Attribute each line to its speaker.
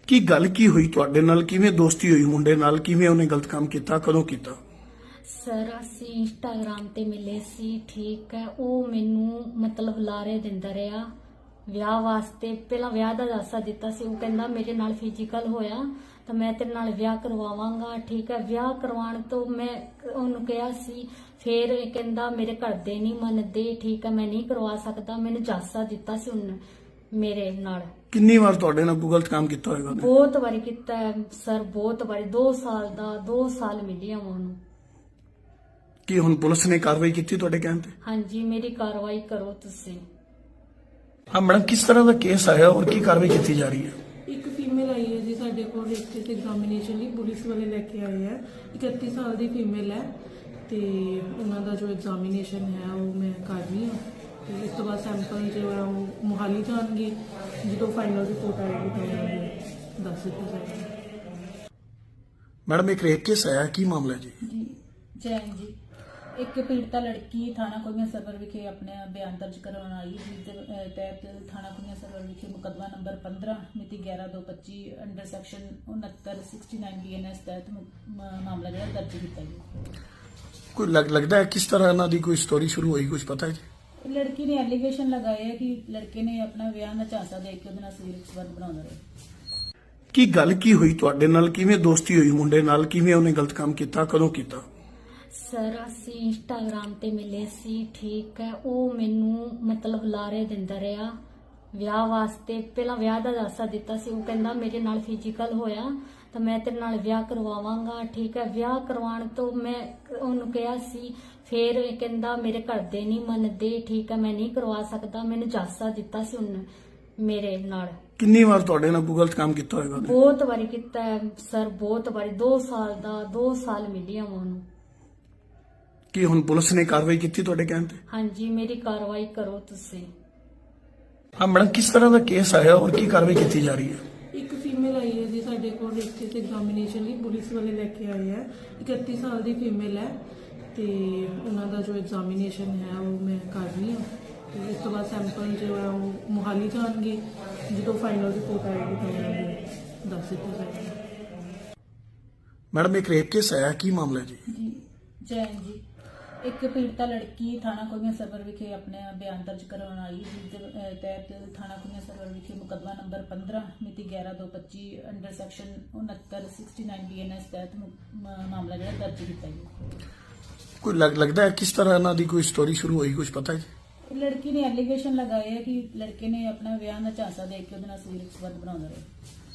Speaker 1: ਕੀ ਗੱਲ ਕੀ ਹੋਈ ਤੁਹਾਡੇ ਨਾਲ? ਕਿਵੇਂ ਦੋਸਤੀ ਹੋਈ ਮੁੰਡੇ ਨਾਲ? ਕਿਵੇਂ ਉਹਨੇ ਗਲਤ ਕੰਮ ਕੀਤਾ? ਕਦੋਂ ਕੀਤਾ?
Speaker 2: ਸਰ ਅਸੀਂ ਇੰਸਟਾਗ੍ਰਾਮ ਤੇ ਮਿਲੇ ਸੀ, ਠੀਕ ਹੈ। ਉਹ ਮੈਨੂੰ ਮਤਲਬ ਲਾਰੇ ਦਿੰਦਾ ਰਿਹਾ ਵਿਆਹ ਵਾਸਤੇ। ਪਹਿਲਾਂ ਵਿਆਹ ਦਾ ਦਾਸਾ ਦਿੱਤਾ ਸੀ। ਉਹ ਕਹਿੰਦਾ ਮੇਰੇ ਨਾਲ ਫਿਜ਼ੀਕਲ ਹੋਇਆ ਤਾਂ ਮੈਂ ਤੇਰੇ ਨਾਲ ਵਿਆਹ ਕਰਵਾਵਾਂਗਾ, ਠੀਕ ਹੈ। ਵਿਆਹ ਕਰਵਾਉਣ ਤੋਂ ਮੈਂ ਉਹਨੂੰ ਕਿਹਾ ਸੀ, ਫਿਰ ਇਹ ਕਹਿੰਦਾ ਮੇਰੇ ਘਰ ਦੇ ਨਹੀਂ ਮੰਨਦੇ, ਠੀਕ ਹੈ, ਮੈਂ ਨਹੀਂ ਕਰਵਾ ਸਕਦਾ। ਮੈਨੂੰ ਦਾਸਾ ਦਿੱਤਾ ਸੀ ਉਹਨੇ ਮੇਰੇ ਨਾਲ।
Speaker 1: ਕਿੰਨੀ ਵਾਰ ਤੁਹਾਡੇ ਨਾਲ ਕੋਈ ਗਲਤ ਕੰਮ ਕੀਤਾ ਹੋਏਗਾ ਉਹਨੇ?
Speaker 2: ਬਹੁਤ ਵਾਰੀ ਕੀਤਾ ਹੈ ਸਰ, ਬਹੁਤ ਵਾਰੀ। 2 ਸਾਲ ਦਾ 2 ਸਾਲ ਮਿਲਿਆ ਉਹਨੂੰ।
Speaker 1: ਕੀ ਹੁਣ ਪੁਲਿਸ ਨੇ ਕਾਰਵਾਈ ਕੀਤੀ ਤੁਹਾਡੇ ਕਹਿਣ ਤੇ?
Speaker 2: ਹਾਂਜੀ, ਮੇਰੀ ਕਾਰਵਾਈ ਕਰੋ ਤੁਸੀਂ।
Speaker 1: ਹਾਂ ਮੈਡਮ, ਕਿਸ ਤਰ੍ਹਾਂ ਦਾ ਕੇਸ ਆਇਆ ਔਰ ਕੀ ਕਾਰਵਾਈ ਕੀਤੀ ਜਾ ਰਹੀ ਹੈ?
Speaker 3: ਇੱਕ ਫੀਮੇਲ ਆਈ ਹੈ ਜੀ ਸਾਡੇ ਕੋਲ ਰਜਿਸਟਰ ਤੇ ਐਗਜ਼ਾਮੀਨੇਸ਼ਨ ਲਈ, ਪੁਲਿਸ ਵਾਲੇ ਲੈ ਕੇ ਆਏ ਹੈ। 31 ਸਾਲ ਦੀ ਫੀਮੇਲ ਹੈ ਤੇ ਉਹਨਾਂ ਦਾ ਜੋ ਐਗਜ਼ਾਮੀਨੇਸ਼ਨ ਹੈ ਉਹ ਮੈਂ ਕਰ ਰਹੀ ਹਾਂ ਤੇ ਇਸ ਤੋਂ ਬਾਅਦ ਸੈਂਪਲ ਜੋ ਹੈ ਉਹ ਮੁਹਾਲੀ ਜਾਣਗੇ। ਜਦੋਂ ਫਾਈਨਲ ਰਿਪੋਰਟ ਆਏਗੀ ਤਾਂ ਉਹਨਾਂ ਦੱਸ ਦਿੱਤਾ ਜਾਏਗਾ।
Speaker 1: ਮੈਡਮ, ਇੱਕ ਰੇਪ ਕੇਸ ਆਇਆ, ਕੀ ਮਾਮਲਾ ਹੈ ਜੀ?
Speaker 4: ਜੀ ਜੈਨ ਜੀ, ਇੱਕ ਪੀੜਤਾ ਲੜਕੀ ਥਾਣਾ ਕੁੜੀਆਂ ਸਰਵਰ ਵਿਖੇ ਆਪਣੇ ਬਿਆਨ ਦਰਜ ਕਰਵਾਉਣ ਆਈ, ਜਿਸ ਦੇ ਤਹਿਤ ਥਾਣਾ ਕੁੜੀਆਂ ਸਰਵਰ ਵਿਖੇ ਮੁਕੱਦਮਾ ਨੰਬਰ 15 ਮਿਤੀ 11/2/25 ਅੰਡਰ ਸੈਕਸ਼ਨ 6969 BNS ਤਹਿਤ ਮਾਮਲਾ ਜਿਹੜਾ ਦਰਜ ਕੀਤਾ ਗਿਆ।
Speaker 1: ਕੋਈ ਲੱਗਦਾ ਹੈ ਕਿਸ ਤਰ੍ਹਾਂ ਇਹਨਾਂ ਦੀ ਕੋਈ ਸਟੋਰੀ ਸ਼ੁਰੂ ਹੋਈ, ਕੁਝ ਪਤਾ ਹੈ ਜੀ?
Speaker 4: ਲੜਕੀ ਨੇ ਐਲੀਗੇਸ਼ਨ ਲਗਾਏ ਹੈ ਕਿ ਲੜਕੇ ਨੇ ਆਪਣਾ ਵਿਆਹ ਦਾ ਝਾਂਸਾ ਦੇ ਕੇ ਉਹਦੇ ਨਾਲ ਸਰੀਰਕ ਸੰਬੰਧ ਬਣਾਉਂਦਾ ਰਿਹਾ।
Speaker 1: ਕੀ ਗੱਲ ਕੀ ਹੋਈ ਤੁਹਾਡੇ ਨਾਲ? ਕਿਵੇਂ ਦੋਸਤੀ ਹੋਈ ਮੁੰਡੇ ਨਾਲ? ਕਿਵੇਂ ਉਹਨੇ ਗਲਤ ਕੰਮ ਕੀਤਾ? ਕਦੋਂ ਕੀਤਾ?
Speaker 2: ਸਰ ਅਸੀਂ ਇੰਸਟਾਗ੍ਰਾਮ ਤੇ ਮਿਲੇ ਸੀ, ਠੀਕ ਹੈ। ਉਹ ਮੈਨੂੰ ਮਤਲਬ ਲਾਰੇ ਦਿੰਦਾ ਰਿਹਾ ਵਿਆਹ ਵਾਸਤੇ। ਪਹਿਲਾਂ ਵਿਆਹ ਦਾ ਦਾਸਾ ਦਿੱਤਾ ਸੀ। ਉਹ ਕਹਿੰਦਾ ਮੇਰੇ ਨਾਲ ਫਿਜ਼ੀਕਲ ਹੋਇਆ ਤਾਂ ਮੈਂ ਤੇਰੇ ਨਾਲ ਵਿਆਹ ਕਰਵਾਵਾਂਗਾ, ਠੀਕ ਹੈ। ਵਿਆਹ ਕਰਵਾਉਣ ਤੋਂ ਮੈਂ ਉਹਨੂੰ ਕਿਹਾ ਸੀ, ਫਿਰ ਇਹ ਕਹਿੰਦਾ ਮੇਰੇ ਘਰ ਦੇ ਨਹੀਂ ਮੰਨਦੇ, ਠੀਕ ਹੈ, ਮੈਂ ਨਹੀਂ ਕਰਵਾ ਸਕਦਾ। ਮੈਨੂੰ ਦਾਸਾ ਦਿੱਤਾ ਸੀ ਉਹਨੇ ਮੇਰੇ ਨਾਲ।
Speaker 1: ਕਿੰਨੀ ਵਾਰ ਤੁਹਾਡੇ ਨਾਲ ਕੋਈ ਗਲਤ ਕੰਮ ਕੀਤਾ ਹੋਏਗਾ ਉਹਨੇ?
Speaker 2: ਬਹੁਤ ਵਾਰੀ ਕੀਤਾ ਹੈ ਸਰ, ਬਹੁਤ ਵਾਰੀ। 2 ਸਾਲ ਦਾ 2 ਸਾਲ ਮਿਲਿਆ ਉਹਨੂੰ।
Speaker 1: ਕੀ ਹੁਣ ਪੁਲਿਸ ਨੇ ਕਾਰਵਾਈ ਕੀਤੀ ਤੁਹਾਡੇ ਕਹਿਣ ਤੇ?
Speaker 2: ਹਾਂਜੀ, ਮੇਰੀ ਕਾਰਵਾਈ ਕਰੋ ਤੁਸੀਂ।
Speaker 1: ਹਾਂ ਮੈਡਮ, ਕਿਸ ਤਰ੍ਹਾਂ ਦਾ ਕੇਸ ਆਇਆ ਔਰ ਕੀ ਕਾਰਵਾਈ ਕੀਤੀ ਜਾ ਰਹੀ ਹੈ?
Speaker 3: ਇੱਕ ਫੀਮੇਲ ਆਈ ਹੈ ਜੀ ਸਾਡੇ ਕੋਲ ਰਜਿਸਟਰ ਤੇ ਐਗਜ਼ਾਮੀਨੇਸ਼ਨ ਲਈ, ਪੁਲਿਸ ਵਾਲੇ ਲੈ ਕੇ ਆਏ ਹੈ। 31 ਸਾਲ ਦੀ ਫੀਮੇਲ ਹੈ ਤੇ ਉਹਨਾਂ ਦਾ ਜੋ ਐਗਜ਼ਾਮੀਨੇਸ਼ਨ ਹੈ ਉਹ ਮੈਂ ਕਰ ਰਹੀ ਹਾਂ ਤੇ ਇਸ ਤੋਂ ਬਾਅਦ ਸੈਂਪਲ ਜੋ ਹੈ ਉਹ ਮੁਹਾਲੀ ਜਾਣਗੇ। ਜਦੋਂ ਫਾਈਨਲ ਰਿਪੋਰਟ ਆਏਗੀ ਤਾਂ ਉਹਨਾਂ ਦੱਸ ਦਿੱਤਾ ਜਾਏਗਾ।
Speaker 1: ਮੈਡਮ, ਇੱਕ ਰੇਪ ਕੇਸ ਆਇਆ, ਕੀ ਮਾਮਲਾ ਹੈ ਜੀ?
Speaker 4: ਜੀ ਜੈਨ ਜੀ, ਇੱਕ ਪੀੜਤਾ ਲੜਕੀ ਥਾਣਾ ਕੁੜੀਆਂ ਸਰਵਰ ਵਿਖੇ ਆਪਣੇ ਬਿਆਨ ਦਰਜ ਕਰਵਾਉਣ ਆਈ, ਜਿਸ ਦੇ ਤਹਿਤ ਥਾਣਾ ਕੁੜੀਆਂ ਸਰਵਰ ਵਿਖੇ ਮੁਕੱਦਮਾ ਨੰਬਰ 15 ਮਿਤੀ 11/2/25 ਅੰਡਰ ਸੈਕਸ਼ਨ 6969 BNS ਤਹਿਤ ਮਾਮਲਾ ਜਿਹੜਾ ਦਰਜ ਕੀਤਾ ਗਿਆ।
Speaker 1: ਕੋਈ ਲੱਗਦਾ ਹੈ ਕਿਸ ਤਰ੍ਹਾਂ ਇਹਨਾਂ ਦੀ ਕੋਈ ਸਟੋਰੀ ਸ਼ੁਰੂ ਹੋਈ, ਕੁਝ ਪਤਾ ਹੈ ਜੀ?
Speaker 4: ਲੜਕੀ ਨੇ ਐਲੀਗੇਸ਼ਨ ਲਗਾਏ ਹੈ ਕਿ ਲੜਕੇ ਨੇ ਆਪਣਾ ਵਿਆਹ ਦਾ ਝਾਂਸਾ ਦੇ ਕੇ ਉਹਦੇ ਨਾਲ ਸਰੀਰਕ ਸੰਬੰਧ ਬਣਾਉਂਦਾ ਰਿਹਾ।